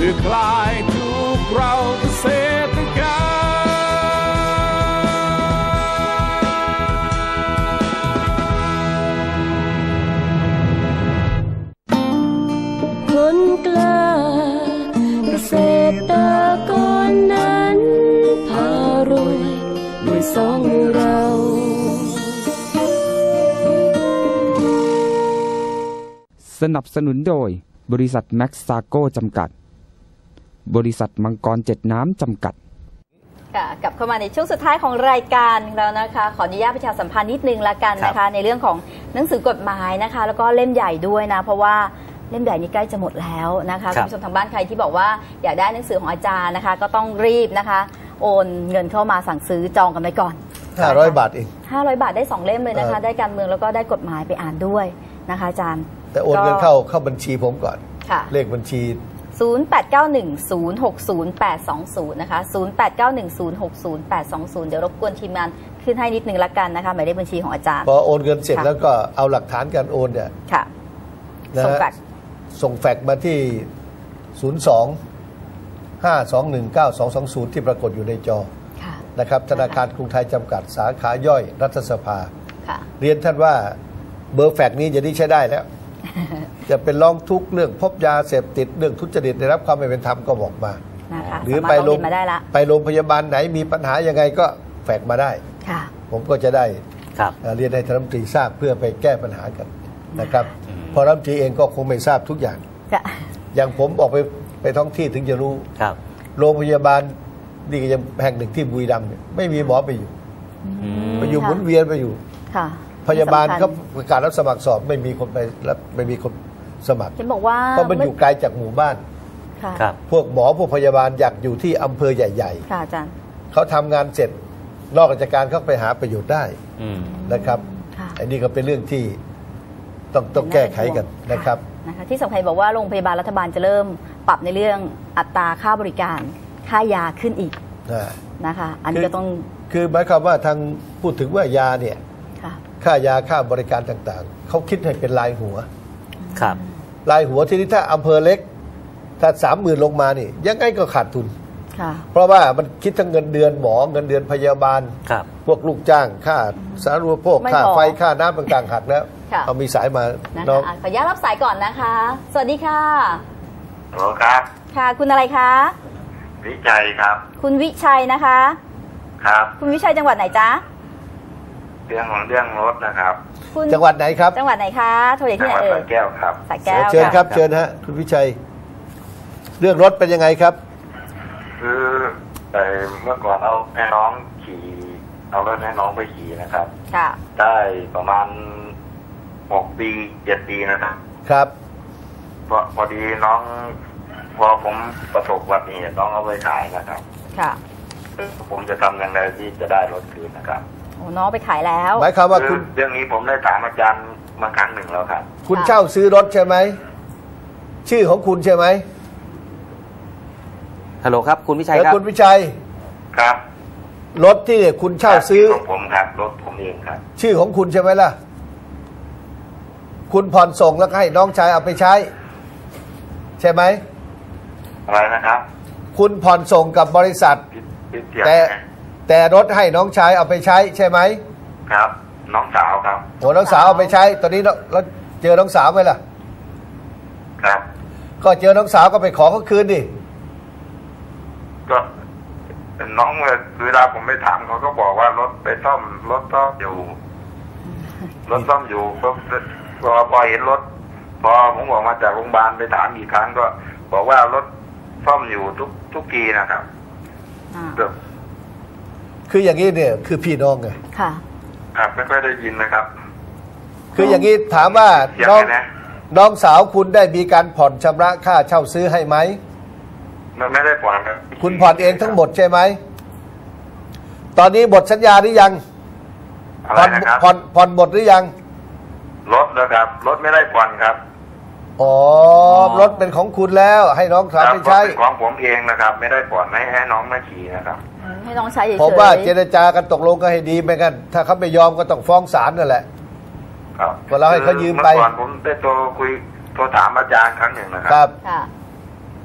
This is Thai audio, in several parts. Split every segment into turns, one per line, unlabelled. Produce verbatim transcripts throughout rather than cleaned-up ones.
พื่อคลายทุกข์เราเกษตรกรรม
คนกล้าเกษตรกรนั้นพารวยด้วยสองมือเรา
สนับสนุนโดยบริษัทแม็กซาโกจำกัดบริษัทมังกรเจ็ดน้ำจำกัด
ค่ะกลับเข้ามาในช่วงสุดท้ายของรายการแล้วนะคะขออนุญาตประชาสัมพันธ์นิดนึงละกันนะคะในเรื่องของหนังสือกฎหมายนะคะแล้วก็เล่มใหญ่ด้วยนะเพราะว่าเล่มใหญ่นี้ใกล้จะหมดแล้วนะคะคุณผู้ชมทางบ้านใครที่บอกว่าอยากได้หนังสือของอาจารย์นะคะก็ต้องรีบนะคะโอนเงินเข้ามาสั่งซื้อจองกันไปก่อน
ห้าร้อยบาทเอง
ห้าร้อยบาทได้สองเล่มเลยนะคะได้การเมืองแล้วก็ได้กฎหมายไปอ่านด้วยนะคะอาจารย์
แต่โอนเงินเข้าเข้าบัญชีผมก่อนเลขบัญชี
ศูนย์ แปด เก้า หนึ่ง ศูนย์ หก ศูนย์ แปด สอง ศูนย์นะคะศูนย์ แปด เก้า หนึ่ง ศูนย์ หก ศูนย์ แปด สอง ศูนย์เดี๋ยวรบกวนทีมงานขึ้นให้นิดนึงละกันนะคะหมายเลขบัญชีของอาจารย์
พอโอนเงินเสร็จแล้วก็เอาหลักฐานการโอนเนี่ย
ค่ะส่งแฟกซ์
ส่งแฟกซ์มาที่ศูนย์ สอง ห้า สอง หนึ่ง เก้า สอง สอง ศูนย์ที่ปรากฏอยู่ในจอนะครับธนาคารกรุงไทยจำกัดสาขาย่อยรัฐสภาเรียนท่านว่าเบอร์แฟกซ์นี้จะได้ใช้ได้แล้วจะเป็นร้องทุกข์เรื่องพบยาเสพติดเรื่องทุจริตได้รับความไม่เป็นธรรมก็บอกมาหรือไปโรงไปโรงพยาบาลไหนมีปัญหายังไงก็แฟกซ์มาได้ผมก็จะได้เรียนให้ท่านรัฐมนตรีทราบเพื่อไปแก้ปัญหากันนะครับพอรัฐมนตรีเองก็คงไม่ทราบทุกอย่างอย่างผมออกไปไปท้องที่ถึงจะรู้โรงพยาบาลนี่ก็ยังแห่งหนึ่งที่บุรีรัมย์ไม่มีหมอไปอยู่ไปอยู่หมุนเวียนไปอยู่พยาบาลเขาประกาศรับสมัครสอบไม่มีคนไปรับไม่มีคนสมัคร
เห็นบอกว่า
เพราะมันอยู่ไกลจากหมู่บ้านพวกหมอพวกพยาบาลอยากอยู่ที่อำเภอใหญ่ๆ
ค่ะอาจารย์
เขาทำงานเสร็จนอกราชการเขาไปหาประโยชน์ได้นะครับอันนี้ก็เป็นเรื่องที่ต้องต้องแก้ไขกันนะครับ
นะคะที่สำคัญบอกว่าโรงพยาบาลรัฐบาลจะเริ่มปรับในเรื่องอัตราค่าบริการค่ายาขึ้นอีกนะคะอันนี้ก็ต้อง
คือหมายความว่าทางพูดถึงว่ายาเนี่ยค่ายาค่าบริการต่างๆเขาคิดให้เป็นรายหัว
ครับ
รายหัวที่นี่ถ้าอำเภอเล็กถ้าสามหมื่นลงมานี่ยังไงก็ขาดทุนเพราะว่ามันคิดทั้งเงินเดือนหมอเงินเดือนพยาบาลพวกลูกจ้างค่าสาธารณูปโภคค่าไฟค่าน้ำต่างๆหักแล้วเอามีสายมา
น้องขออนุญาตรับสายก่อนนะคะสวัสดีค่ะ
ฮัลโหลครับ
ค่ะคุณอะไรคะ
วิชัยครับ
คุณวิชัยนะคะ
ครับ
คุณวิชัยจังหวัดไหนจ๊ะ
เรื่องของเรื่องรถนะครับ
จังหวัดไหนครับ
จังหวัดไหนคะโทรจากที่ไหนเอ่ย
สระแก้วครับ
สระแก้ว
เชิญครับเชิญฮะคุณวิชัยเรื่องรถเป็นยังไงครับ
คือแต่เมื่อก่อนเอาแม่น้องขี่เอารถแม่น้องไปขี่นะครับ
ค่ะ
ได้ประมาณหกปีเจ็ดปีนะครับ
ครับ
พอพอดีน้องพอผมประสบอุบัติเหตุน้องเอาไปขายนะครับ
ค่ะ
ผมจะทำอย่างไรที่จะได้รถคืนนะครับ
โอ้น้องไปขายแล้ว
หมายความว่าคุณ
เรื่องนี้ผมได้ถามอาจารย์มาครั้งหนึ่งแล้วครับ
คุณเช่าซื้อรถใช่ไหมชื่อของคุณใช่ไหม
ฮัลโหลครับคุณวิชัยครับ
คุณวิชัย
ครับ
รถที่คุณเช่าซื้อ
ของผมครับรถผมเองครับ
ชื่อของคุณใช่ไหมล่ะคุณผ่อนส่งแล้วให้น้องชายเอาไปใช้ใช่ไหม
อะไรนะครับ
คุณผ่อนส่งกับบริษัทแต่แต่รถให้น้องชายเอาไปใช้ใช่ไหม
ครับน้องสาวครับ
โอ้น้องสาวเอาไปใช้ตอนนี้เราเจอน้องสาวไหมล่ะ
ครับ
ก็เจอน้องสาวก็ไปขอเขาคืนดิ
ก็น้องเวลาผมไปถามเขาก็บอกว่ารถไปซ่อมรถซ่อมอยู่รถซ่อมอยู่พอพอพอเห็นรถพอผมออกมาจากโรงพยาบาลไปถามอีกครั้งก็บอกว่ารถซ่อมอยู่ทุกทุกกีนะครับ
คืออย่างนี้เนี่ยคือพี่น้องไง
ค่ะ
ครับไม่ค่อยได้ยินนะครับ
คืออย่างนี้ถามว่าน้องน้องสาวคุณได้มีการผ่อนชำระค่าเช่าซื้อให้ไหม
มันไม่ได้ผ่อนครับ
คุณผ่อนเองทั้งหมดใช่ไหมตอนนี้หมดสัญญาหรือยัง
ผ่อน
ผ่อนผ่อนหมดหรือยัง
รถนะครับรถไม่ได้ผ่อนครับ
อ๋อรถเป็นของคุณแล้วให้น้องสาวไปใช้
เป็นของผมเองนะครับไม่ได้ผ่อนให้ให้น้องมาขี่นะครับ
ให้น้องใช้เฉยๆ
ผมว่าเจรจากันตกลงกันให้ดีไม่งั้นถ้าเขาไม่ยอมก็ต้องฟ้องศาลนั่นแหละ
ครับ
ก็เราให้เขายืมไป
เมื่อก่อนผมได้โทรคุยโทรถามอาจารย์ครั้งหนึ่งนะครับ
ครับ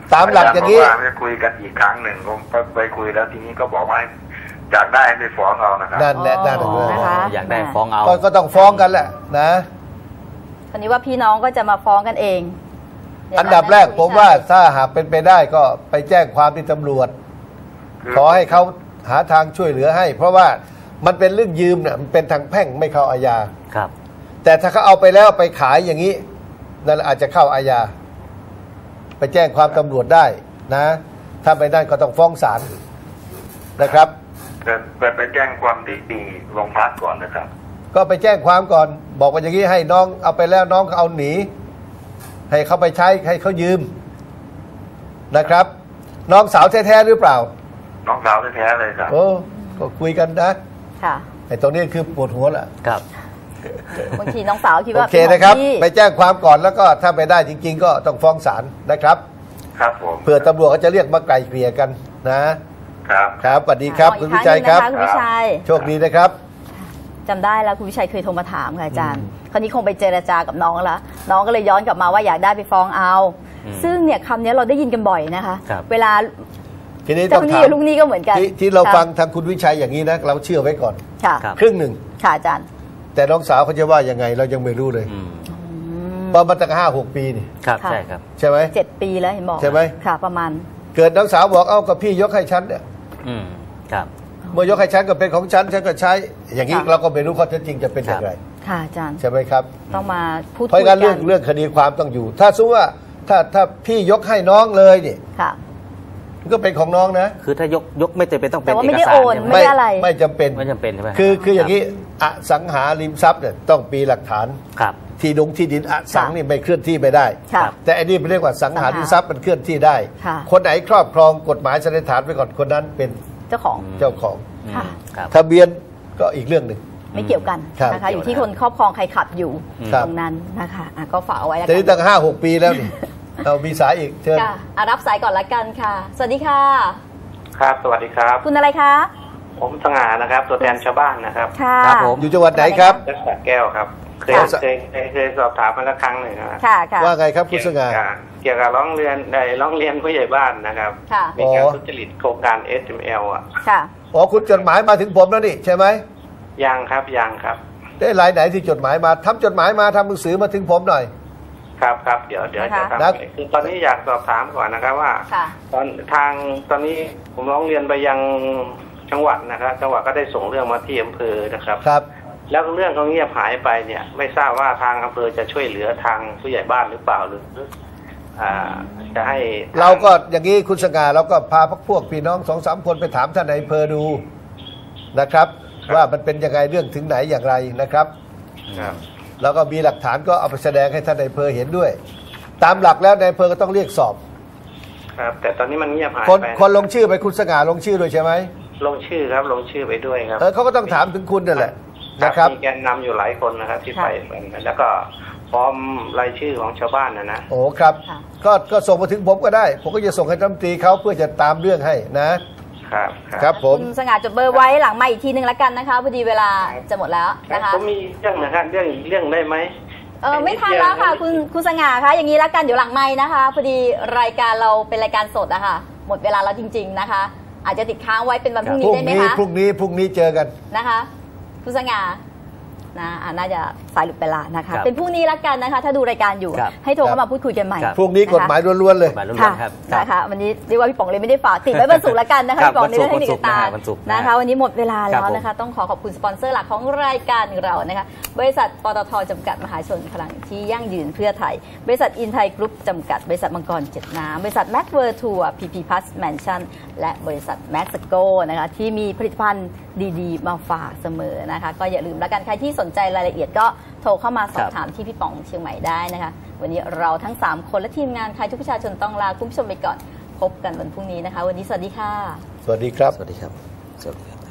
ตามหลักอย่างนี้
จะคุยกันอีกครั้งหนึ่งผมไปคุยแล้วทีนี้ก็บอกว่าอยากได้ไปฟ้องเอานะครับ
นั่นแหละนั่นแหละ
อยากได้ฟ้องเอา
ก็ต้องฟ้องกันแหละนะ
คราวนี้ว่าพี่น้องก็จะมาฟ้องกันเอง
อันดับแรกผมว่าถ้าหากเป็นไปได้ก็ไปแจ้งความที่ตำรวจขอให้เขาหาทางช่วยเหลือให้เพราะว่ามันเป็นเรื่องยืมเนี่ยมันเป็นทางแพ่งไม่เข้าอาญา
ครับ
แต่ถ้าเขาเอาไปแล้วไปขายอย่างนี้นั่นอาจจะเข้าอาญาไปแจ้งความตำรวจได้นะถ้าไปได้ก็ต้องฟ้องศาลนะครับ
ไปไปแจ้งความดีๆโรงพักก่อนนะครับ
ก็ไปแจ้งความก่อนบอกว่าอย่างนี้ให้น้องเอาไปแล้วน้องเขาเอาหนีให้เขาไปใช้ให้เขายืมนะครับน้องสาวแท้ๆหรือเปล่า
น้องสาวแท้ๆเลยครับ
โอ้ก็คุยกันนะ
ค่ะ
ไอ้ตรงนี้คือปวดหัวแหละ
ครับ
บางทีน้องสาวคิดว่า
โอเคนะครับไปแจ้งความก่อนแล้วก็ถ้าไปได้จริงๆก็ต้องฟ้องศาลนะครับ
ครับผม
เพื่อตำรวจเขาจะเรียกมาไกล่เกลี่ยกันนะครับครับสวัสดีครับคุณวิชัยครับ
คุณวิชัย
โชคดีนะครับ
จำได้แล้วคุณวิชัยเคยโทรมาถามค่ะอาจารย์คราวนี้คงไปเจรจากับน้องแล้วน้องก็เลยย้อนกลับมาว่าอยากได้ไปฟ้องเอาซึ่งเนี่ยคำนี้เราได้ยินกันบ่อยนะคะเวลา
ทีนี้ต้องถาม
ลูกนี้ก็เหมือนกัน
ที่เราฟังทางคุณวิชัยอย่างนี้นะเราเชื่อไว้ก่อนครึ่งหนึ่ง
ค่ะอาจารย์
แต่น้องสาวเขาจะว่ายังไงเรายังไม่รู้เลยประมาณตั้งห้าหกปีนี่
ครับใช่ครับ
ใช่ไหม
เจ็ดปีแล้วเห็นบอก
ใช่ไหม
ค่ะประมาณ
เกิดน้องสาวบอกเอ้ากับพี่ยกให้ฉันเนี่ย
อืมครับ
เมื่อยกให้ฉันก็เป็นของฉันฉันก็ใช้อย่างนี้เราก็ไม่รู้ข้อเท็จจริงจะเป็นอย่างไร
ค่ะอาจารย์
ใช่ไหมครับ
ต้องมาพูด
เพราะงั้นเรื่องเรื่องคดีความต้องอยู่ถ้าสมมติว่าถ้าถ้าพี่ยกให้น้องเลยเนี่ยก็เป็นของน้องนะ
คือถ้ายกยกไม่จำเป็นต้องเป็นเอก
สารไม่ได้อะไร
ไม่จำเป็น
ไม่จำเป็นใช่ไหม
คือคืออย่างนี้อสังหาริมทรัพย์เนี่ยต้องมีหลักฐาน
ครับ
ที่ดงที่ดินอสังนี่ไม่เคลื่อนที่ไม่ได้แต่อันนี้เรียกว่าสังหาริมทรัพย์มันเคลื่อนที่ได้คนไหนครอบครองกฎหมายสันนิษฐานไปก่อนคนนั้นเป็น
เจ้าของ
เจ้าของทะเบียนก็อีกเรื่องหนึ่ง
ไม่เกี่ยวกันนะคะอยู่ที่คนครอบครองใครขับอยู่ตรงนั้นนะคะก็ฝากเอาไว้
แต่นี่ตั้งห้าหกปีแล้วนี่เอามีสายอีกเชิญ
รับสายก่อนละกันค่ะสวัสดีค่ะ
ครับสวัสดีครับ
คุณอะไรคะ
ผมสง่านะครับตัวแทนชาวบ้านนะครับ
ครับผมอยู่จังหวัดไหนครับ
จังหวัดแก้วครับเคยเคยเคยสอบถามมาแล้วครั้งหนึ่งนะ
ว่าไงครับคุณสง่า
เกี่ยวกับร้องเรียนในร้องเรียนผู้ใหญ่บ้านนะครับมีการทุจริตโครงการ เอส เอ็ม แอล อ่ะ
ค่ะ
อ๋อคุณจดหมายมาถึงผมแล้วนี่ใช่ไหม
ยังครับยังครับ
ได้รายไหนที่จดหมายมาทำจดหมายมาทำหนังสือมาถึงผมหน่อย
ครับครับเดี๋ยวเดี๋ยวจะทำคือตอนนี้อยากสอบถามก่อนนะครับว่าตอนทางตอนนี้ผมร้องเรียนไปยังจังหวัดนะครับจังหวัดก็ได้ส่งเรื่องมาที่อำเภอนะครับ
ครับ
แล้วเรื่องเขาเงียบหายไปเนี่ยไม่ทราบว่าทางอำเภอจะช่วยเหลือทางผู้ใหญ่บ้านหรือเปล่าหรือจะให้
เราก็อย่างนี้คุณสง่าเราก็พาพวกพี่น้องสองสามคนไปถามท่านนายอำเภอดูนะครับว่ามันเป็นยังไงเรื่องถึงไหนอย่างไรนะครับแล้วก็มีหลักฐานก็เอาไปแสดงให้ท่านนายอำเภอเห็นด้วยตามหลักแล้วนายอำเภอก็ต้องเรียกสอบ
ครับแต่ตอนนี้มันเงียบหาย
ไปคนคนลงชื่อไปคุณสง่าลงชื่อด้วยใช่ไหม
ลงชื่อครับลงชื่อไปด้วยครับ
เออเขาก็ต้องถามถึงคุณนั่นแหละนะครับ
มีแกนนำอยู่หลายคนนะครับที่ไปแล้วก็พร้อมรายชื่อของชาวบ้านนะนะ
โอ้ครับก็ก็ส่งมาถึงผมก็ได้ผมก็จะส่งให้รัฐมนตรีเขาเพื่อจะตามเรื่องให้นะครับครับผม
คุณสง่าจดเบอร์ไว้หลังมาอีกทีนึงแล้วกันนะคะพอดีเวลาจะหมดแล้วนะคะ
ผมมีเรื่องนะครับเรื่องเรื่องได้ไหม
เออไม่ทันแล้วค่ะคุณคุณสง่าคะอย่างนี้แล้วกันเดี๋ยวหลังไม้นะคะพอดีรายการเราเป็นรายการสดอะค่ะหมดเวลาแล้วจริงๆนะคะอาจจะติดค้างไว้เป็นวันพรุ่งนี้ได้ไหมคะ
พรุ่งนี้พรุ่งนี้เจอกัน
นะคะคุณสง่านะน่าจะสายหลุดไปละนะคะเป็นพรุ่งนี้ละกันนะคะถ้าดูรายการอยู่ให้โทรเข้ามาพูดคุยกันใหม่
พรุ่งนี้กฎหมายล้วนๆเลย
ค่ะนะคะวันนี้เรียกว่าพี่ป๋องเลยไม่ได้ฝากติดไว้บรรจุละกันนะคะพี่ป๋องในเรื่องเทคนิคต่างๆนะคะวันนี้หมดเวลาแล้วนะคะต้องขอขอบคุณสปอนเซอร์หลักของรายการเรานะคะบริษัทปตท.จำกัดมหาชนพลังที่ยั่งยืนเพื่อไทยบริษัทอินไทยกรุ๊ปจำกัดบริษัทมังกรเจ็ดน้ำบริษัทแม็กเวอร์ทัวร์พีพีพัสแมนชั่นและบริษัทแม็กซ์โกนะคะที่มีผลิตภัณฑ์ดีๆมาฝากเสมอนะคะก็อย่าลืมละกันใครที่สนใจรายละเอียดก็โทรเข้ามาสอบถามที่พี่ป๋องเชียงใหม่ได้นะคะวันนี้เราทั้งสามคนและทีมงานใครทุกประชาชนต้องลาคุณผู้ชมไปก่อนพบกันวันพรุ่งนี้นะคะวันนี้สวัสดีค่ะ
สวัสดีครับ
สวัสดีครับสวัสดีครับ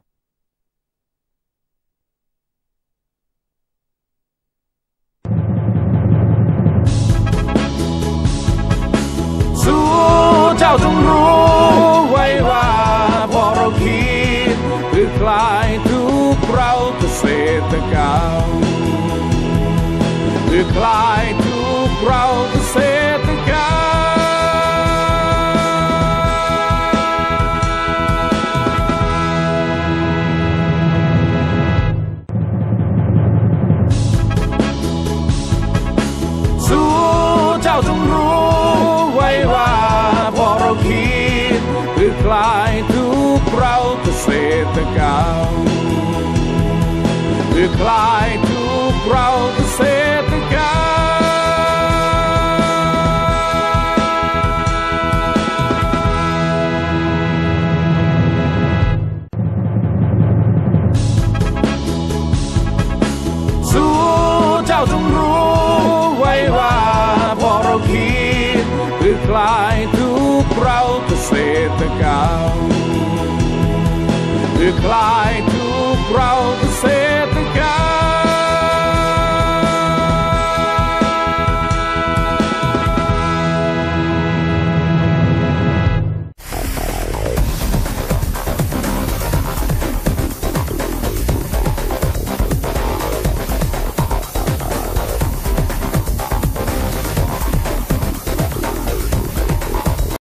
สู้เจ้าจงรู้ไว้ว่าพอเราคิดเพื่อคลายทุกข์เราเกษตรกรรมเพื่อคลายทุกข์เราเกษตรกรรมคิดคือคลายทุกข์เราเกษตรกรรมคือคลายทุกข์เราเกษตรกรรมเจ้าจงรู้ไว้ว่าพอเราคิดคือคลายทุกข์เราเกษตรกรรมคือคลายทุกข์เรา